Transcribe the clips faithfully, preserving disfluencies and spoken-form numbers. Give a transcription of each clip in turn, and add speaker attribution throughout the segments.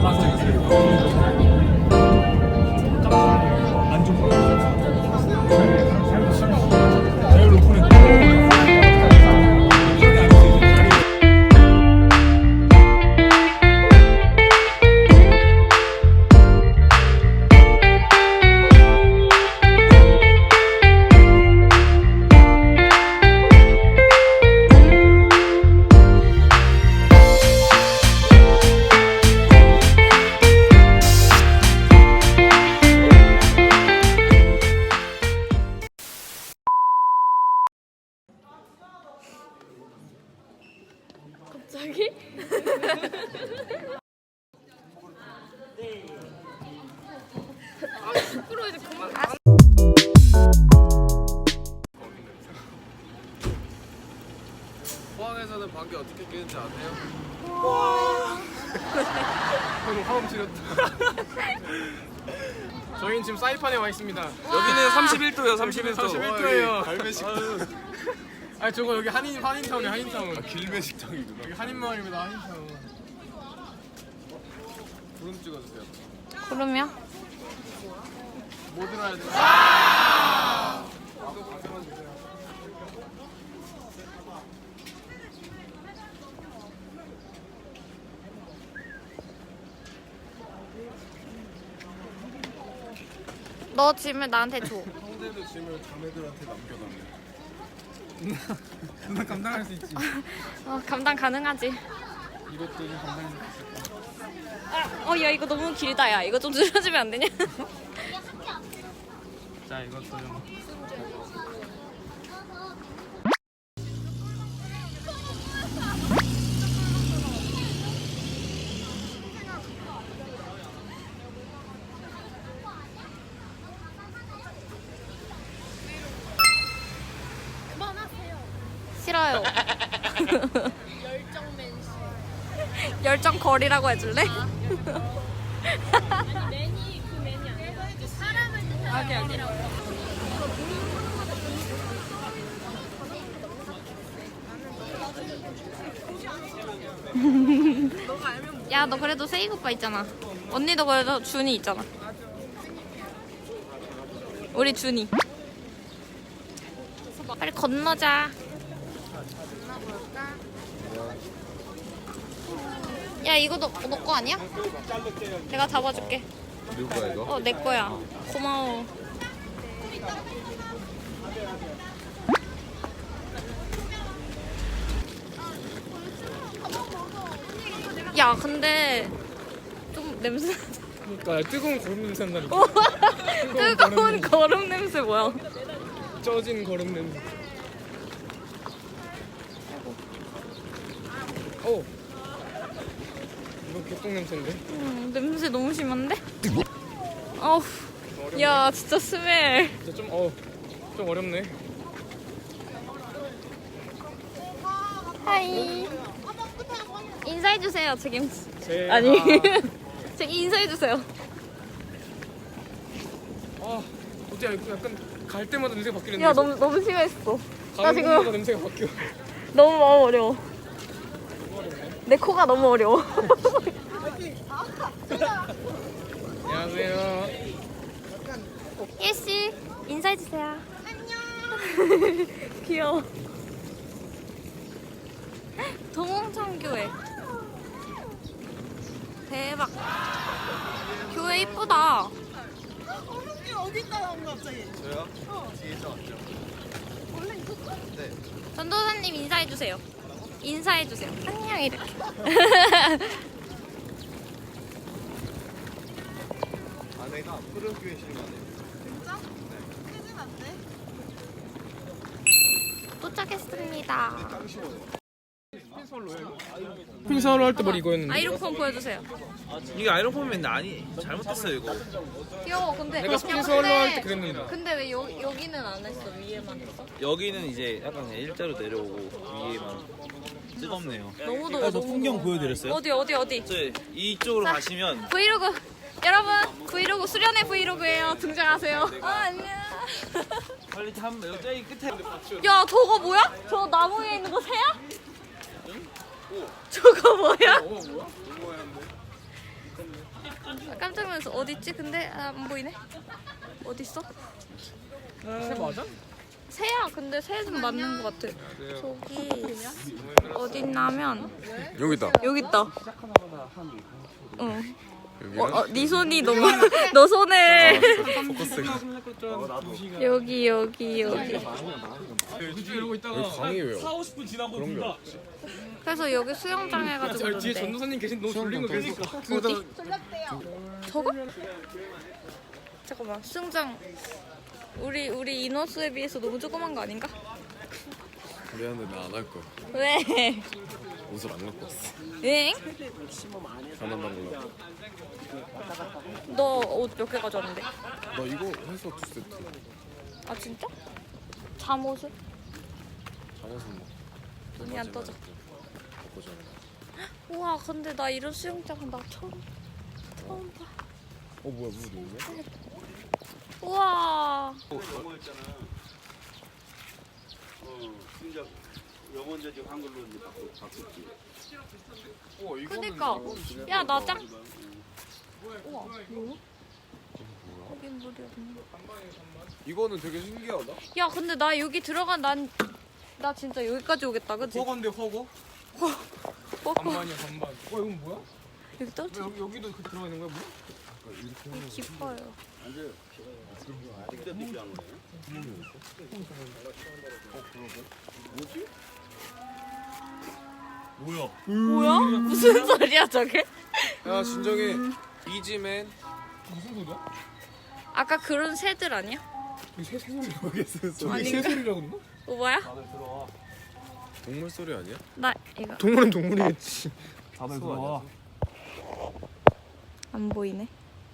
Speaker 1: 갑자기? 아 시끄러워 이제 그만.
Speaker 2: 포항에서는 방귀 어떻게 끼는지 아세요? 와. 방금 화음 지렸다. 저희는 지금 사이판에 와 있습니다.
Speaker 3: 여기는 삼십일 도요. 삼십일 도.
Speaker 2: 삼십일 도예요. 갈매식당. 아 저거 여기 한인 한인타운이야 한인타운. 아, 길매식당이구나. 여기 한인마을입니다 한인타운. 구름 찍어주세요.
Speaker 1: 구름이요?
Speaker 2: 뭐 들어야 돼? 아! 또 가져만 주세요.
Speaker 1: 너 짐을 나한테 줘.
Speaker 2: 형들도 짐을 자매들한테 남겨달래. 누나 감당할 수 있지.
Speaker 1: 어, 감당 가능하지.
Speaker 2: 이것도 좀 감당할 수 있을까?
Speaker 1: 어, 야 이거 너무 길다. 야 이거 좀 줄여주면 안 되냐?
Speaker 2: 자 이것도 좀.
Speaker 1: 싫어요. 열정 맨시. 열정 거리라고 해줄래? 아니 매니 그 매니 아니야. 사람을 뜻하는 거리라고. 야 너 그래도 세이 오빠 있잖아. 언니도 그래도 준이 있잖아. 우리 준이. 빨리 건너자. 야 이거 너 너 거 아니야? 내가 잡아줄게.
Speaker 2: 누구야 이거?
Speaker 1: 어 내 거야. 고마워. 야 근데 좀 냄새.
Speaker 2: 그러니까 뜨거운 거름 냄새 난다니까.
Speaker 1: 어, 뜨거운 거름 냄새 뭐야?
Speaker 2: 쪄진 거름 냄새. 오. 이거 개똥 냄새인데?
Speaker 1: 음, 냄새 너무 심한데? 어우, 야 진짜 스멜.
Speaker 2: 진짜 좀 어. 좀 어렵네.
Speaker 1: 하이. 인사해주세요 책임.
Speaker 2: 제
Speaker 1: 아니. 제 인사해주세요.
Speaker 2: 아, 어째 약간 갈 때마다 냄새가 바뀌는데.
Speaker 1: 야 너무 너무 심했어. 나
Speaker 2: 가는
Speaker 1: 지금
Speaker 2: 곳마다 냄새가 바뀌어.
Speaker 1: 너무 너무 어려워. 내 코가 너무 어려워.
Speaker 2: 안녕하세요.
Speaker 1: 예씨 인사해주세요. 안녕. 귀여워. 동홍천교회. 대박. 교회 이쁘다.
Speaker 4: 어디 있다 나온 거 갑자기?
Speaker 2: 저요? 뒤에서 왔죠.
Speaker 4: 원래 있었어?
Speaker 2: 네.
Speaker 1: 전도사님 인사해주세요. 인사해주세요. 안녕 이렇게.
Speaker 2: 아내가 푸른교회 신가네요.
Speaker 4: 진짜? 네. 크진 않네.
Speaker 1: 도착했습니다.
Speaker 2: 핑사로 할 때 머리 이거였는데.
Speaker 1: 아이로폰 보여주세요.
Speaker 3: 이게 아이론폼인데 아니 잘못했어요 이거.
Speaker 1: 귀여워. 근데
Speaker 2: 내가
Speaker 1: 야,
Speaker 2: 스킨스월로
Speaker 1: 근데-
Speaker 2: 할 때 그랬는데.
Speaker 1: 근데 왜 여, 여기는 안 했어? 위에만 했어?
Speaker 3: 여기는 이제 약간 그냥 일자로 내려오고 위에만 뜨겁네요.
Speaker 1: 너무 더워.
Speaker 3: 그래서
Speaker 1: 너무
Speaker 3: 풍경
Speaker 1: 더워.
Speaker 3: 보여드렸어요?
Speaker 1: 어디 어디 어디?
Speaker 3: 저 이쪽으로
Speaker 1: 자.
Speaker 3: 가시면
Speaker 1: 브이로그 여러분 브이로그 수련회 브이로그예요. 등장하세요. 아 안녕.
Speaker 3: 빨리 한 여기 끝에
Speaker 1: 야 저거 뭐야? 저 나무 위에 있는 거 새야? 저거 뭐야?
Speaker 2: 어 뭐야?
Speaker 1: 아, 깜짝 놀라서 어디 있지? 근데 아, 안 보이네. 어디 있어?
Speaker 2: 새 맞아?
Speaker 1: 새야. 근데 새는 맞는 것 같아. 저기 어디 있냐면
Speaker 5: 여기 있다.
Speaker 1: 여기 있다. 응. 어, 어, 네 손이 너무 너 손을 여기 여기 여기.
Speaker 2: 이러고 있다가
Speaker 5: 여기 강이 왜요?
Speaker 2: 사오십 분 지나고
Speaker 5: 그런 게
Speaker 2: 본다.
Speaker 5: 없지.
Speaker 1: 그래서 여기 수영장 해가지고
Speaker 2: 저 뒤에
Speaker 1: 그런데.
Speaker 2: 전도사님 계신 너무 졸린 거 계니까.
Speaker 1: 어디? 저거? 잠깐만 수영장 우리 우리 인원수에 비해서 너무 조그만 거 아닌가?
Speaker 5: 미안해 나 안 할 거야.
Speaker 1: 왜?
Speaker 5: 옷을 안 갖고 왔어.
Speaker 1: 응?
Speaker 5: 가난한 걸로.
Speaker 1: 너 옷 몇 개 가져왔는데?
Speaker 5: 나 이거 해서 두 세트.
Speaker 1: 아 진짜? 잠옷을?
Speaker 5: 잠옷은 뭐.
Speaker 1: 눈이 안 떠져.
Speaker 5: 먹고 자는 거.
Speaker 1: 우와 근데 나 이런 수영장은 나 처음 처음 봐.
Speaker 5: 어 뭐야 물 있네?
Speaker 1: 우와.
Speaker 6: 영원제 지금 한글로 이제 바꾸 바꿨지.
Speaker 5: 어 이거는
Speaker 1: 그니까
Speaker 5: 이건
Speaker 1: 야 나 짱. 우와 뭐야? 여긴 물이 없네.
Speaker 5: 이거는 되게 신기하다.
Speaker 1: 야 근데 나 여기 들어간 난 나 진짜 여기까지 오겠다 그치?
Speaker 2: 허건데 허거?
Speaker 1: 어,
Speaker 2: 반반이야 반반. 와 이건 뭐야?
Speaker 1: 여기 떨어져.
Speaker 2: 왜 여기 여기도 그 들어가 있는 거야 뭐?
Speaker 1: 깊어요.
Speaker 6: 진짜 느끼한 거네.
Speaker 2: 뭐야?
Speaker 1: 뭐야? 무슨 소리야 저게?
Speaker 5: 야 진정해. 이지맨.
Speaker 2: 무슨 소리야?
Speaker 1: 아까 그런 새들 아니야?
Speaker 2: 새 소리
Speaker 5: 모르겠어요.
Speaker 2: 저기
Speaker 1: 아닌가?
Speaker 2: 새 소리라고 그랬나?
Speaker 1: 오바야?
Speaker 5: 동물 소리 아니야?
Speaker 1: 나 이거
Speaker 2: 동물은 동물이겠지.
Speaker 5: 다들 들어와.
Speaker 1: 안 보이네.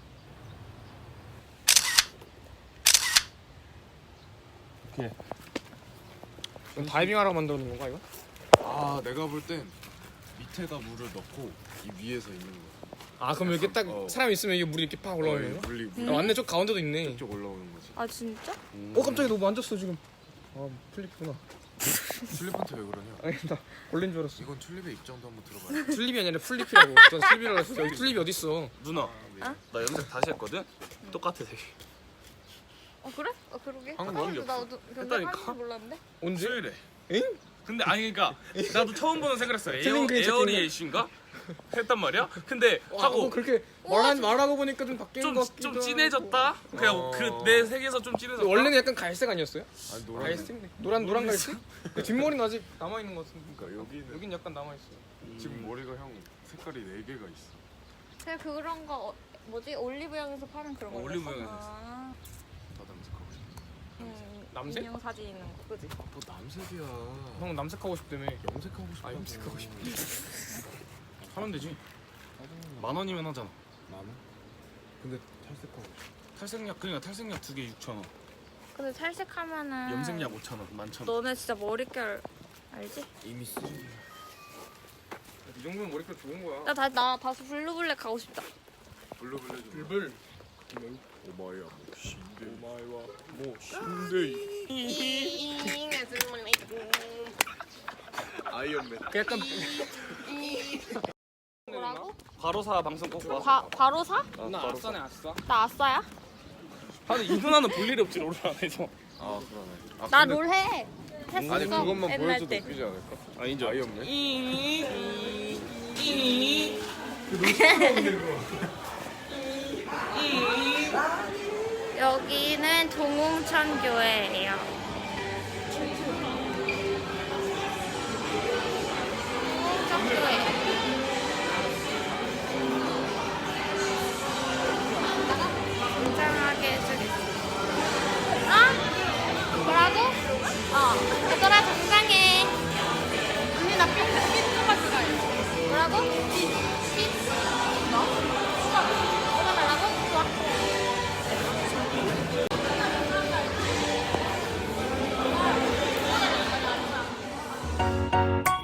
Speaker 2: 다이빙 하라고 만들어 놓은 건가 이거?
Speaker 5: 아 내가 볼 땐 밑에다 물을 넣고 이 위에서 있는 거야.
Speaker 2: 아 그럼 이렇게 딱
Speaker 5: 어.
Speaker 2: 사람 있으면 이게 물이 이렇게 팍 올라오는 거야?
Speaker 5: 물리
Speaker 1: 음.
Speaker 5: 물
Speaker 2: 아, 맞네 저 가운데도 있네.
Speaker 5: 쪽 올라오는 거지.
Speaker 1: 아 진짜?
Speaker 2: 어 깜짝이야 너 만졌어 지금. 아 플립구나.
Speaker 5: 튤립한테 왜 그러냐?
Speaker 2: 아니 나 걸린 줄 알았어.
Speaker 5: 이건 튤립의 입장도 한번 들어봐야
Speaker 2: 튤립이 아니라 플립이라고. 전 슬립이라고 했어. 여기 튤립이 어디 있어?
Speaker 6: 누나, 나 염색 다시 했거든. 똑같아 되게.
Speaker 1: 어 그래? 어 그러게.
Speaker 5: 방금
Speaker 1: 아,
Speaker 6: 완전
Speaker 1: 나도 근데
Speaker 6: 했다니까?
Speaker 1: 할줄 몰랐는데.
Speaker 2: 언제?
Speaker 6: 수요일에.
Speaker 2: 엥?
Speaker 6: 근데 아니 그러니까 나도 처음 보는 생각을 했어. 에어
Speaker 2: 틀린
Speaker 6: 에어리에이션가 했단 말이야. 근데
Speaker 2: 하고
Speaker 6: 하고
Speaker 2: 그렇게 말한 말하고 보니까 좀 바뀌는 것 같기도
Speaker 6: 좀좀
Speaker 2: 하고.
Speaker 6: 진해졌다. 그냥
Speaker 5: 어.
Speaker 6: 그 내 세계에서 좀 진해졌다.
Speaker 2: 원래는 약간 갈색 아니었어요?
Speaker 5: 아니 노란.
Speaker 2: 갈색? 노란 노란 갈색? 근데 뒷머리는 아직 남아 있는 것 같은데.
Speaker 5: 그러니까 여기는
Speaker 2: 여긴 약간 남아 있어.
Speaker 5: 지금 머리가 형 색깔이 네 개가 있어.
Speaker 1: 그냥 그런 거 어, 뭐지 올리브영에서 파는 그런 거.
Speaker 6: 어, 올리브영에서
Speaker 1: 아,
Speaker 5: 다 남색하고 싶어.
Speaker 1: 음,
Speaker 2: 남색?
Speaker 1: 인형 사진 있는 거 그지?
Speaker 5: 뭐 남색이야.
Speaker 2: 형 남색하고 싶다며.
Speaker 5: 염색하고 싶어.
Speaker 2: 아 염색하고 싶어.
Speaker 6: 하면 되지. 만 원이면 하잖아.
Speaker 5: 나는? 근데 탈색하고 싶어.
Speaker 6: 탈색약 그러니까 탈색약 두 개 육천 원.
Speaker 1: 근데 탈색하면은
Speaker 6: 염색약 오천 원, 만천 원.
Speaker 1: 너네 진짜 머릿결 알지?
Speaker 5: 이미 쓰.
Speaker 2: 이 정도면 머릿결 좋은 거야.
Speaker 1: 나 다시 나 다시 블루블랙 가고 싶다.
Speaker 5: 블루블루 좀.
Speaker 2: 불불.
Speaker 5: 오마이야 뭐 신데.
Speaker 2: 오마이와
Speaker 5: 뭐 신데. 아이언맨.
Speaker 2: 그 약간
Speaker 1: 뭐라고?
Speaker 6: 바로사 방송 꼭 봐.
Speaker 1: 바, 바로 사?
Speaker 2: 나 아싸네 아싸.
Speaker 1: 나 아싸야?
Speaker 6: 근데 이 누나는 볼 일이 없지 롤을 안 해서.
Speaker 5: 아 그러네. 아,
Speaker 1: 나
Speaker 5: 근데-
Speaker 1: 롤 해. 했었어.
Speaker 5: 아니 그것만
Speaker 1: 옛날
Speaker 5: 보여줘도
Speaker 1: 때.
Speaker 5: 웃기지 않을까?
Speaker 6: 아 인정.
Speaker 5: 아이언맨.
Speaker 1: 여기는 동홍천 교회예요. 동홍천 교회. 굉장하게 해주겠어. 어? 뭐라고? 어. 얘들아 건강해. 언니 나 핀, 핀 조각 좋아해. 뭐라고? 핀. 핀? 너? 뽑아달라고? 좋아.